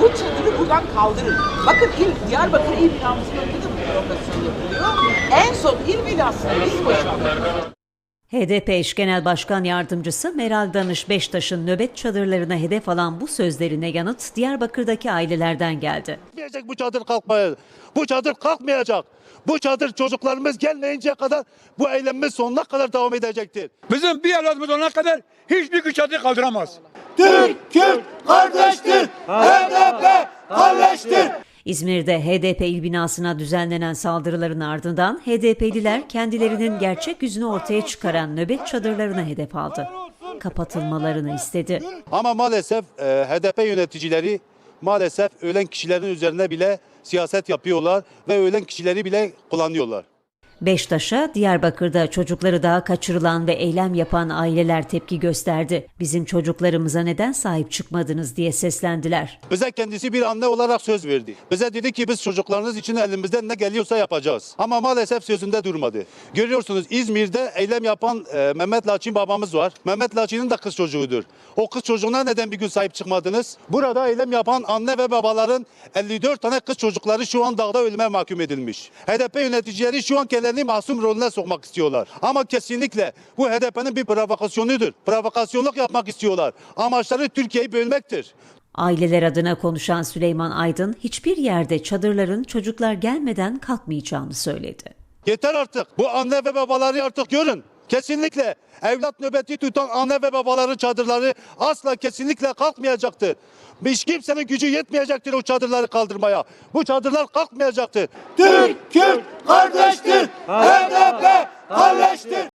bu çadırı buradan kaldırın. Bakın Diyarbakır İl Binamızın önünde de bu provokasyon yapılıyor. En son il binasını biz boşalttık. HDP eş genel başkan yardımcısı Meral Danış Beştaş'ın nöbet çadırlarına hedef alan bu sözlerine yanıt Diyarbakır'daki ailelerden geldi. Bu çadır kalkmayacak. Bu çadır kalkmayacak. Bu çadır çocuklarımız gelmeyinceye kadar bu eylemimiz sonuna kadar devam edecektir. Bizim bir evladımız olana kadar hiçbir çadır kaldıramaz. Türk, Kürt kardeştir. HDP kardeştir. İzmir'de HDP il binasına düzenlenen saldırıların ardından HDP'liler kendilerinin gerçek yüzünü ortaya çıkaran nöbet çadırlarına hedef aldı. Kapatılmalarını istedi. Ama maalesef HDP yöneticileri maalesef ölen kişilerin üzerine bile siyaset yapıyorlar ve ölen kişileri bile kullanıyorlar. Beştaş'a Diyarbakır'da çocukları daha kaçırılan ve eylem yapan aileler tepki gösterdi. Bizim çocuklarımıza neden sahip çıkmadınız diye seslendiler. Bize kendisi bir anne olarak söz verdi. Bize dedi ki biz çocuklarınız için elimizden ne geliyorsa yapacağız. Ama maalesef sözünde durmadı. Görüyorsunuz İzmir'de eylem yapan Mehmet Laçin babamız var. Mehmet Laçin'in de kız çocuğudur. O kız çocuğuna neden bir gün sahip çıkmadınız? Burada eylem yapan anne ve babaların 54 tane kız çocukları şu an dağda ölüme mahkum edilmiş. HDP yöneticileri şu an kendilerini masum rolüne sokmak istiyorlar. Ama kesinlikle bu HDP'nin bir provokasyonudur. Provokasyonluk yapmak istiyorlar. Amaçları Türkiye'yi bölmektir. Aileler adına konuşan Süleyman Aydın hiçbir yerde çadırların çocuklar gelmeden kalkmayacağını söyledi. Yeter artık. Bu anne ve babaları artık görün. Kesinlikle evlat nöbeti tutan anne ve babaların çadırları asla kesinlikle kalkmayacaktır. Hiç kimsenin gücü yetmeyecektir o çadırları kaldırmaya. Bu çadırlar kalkmayacaktır. Türk, Kürt kardeştir. HDP kardeştir.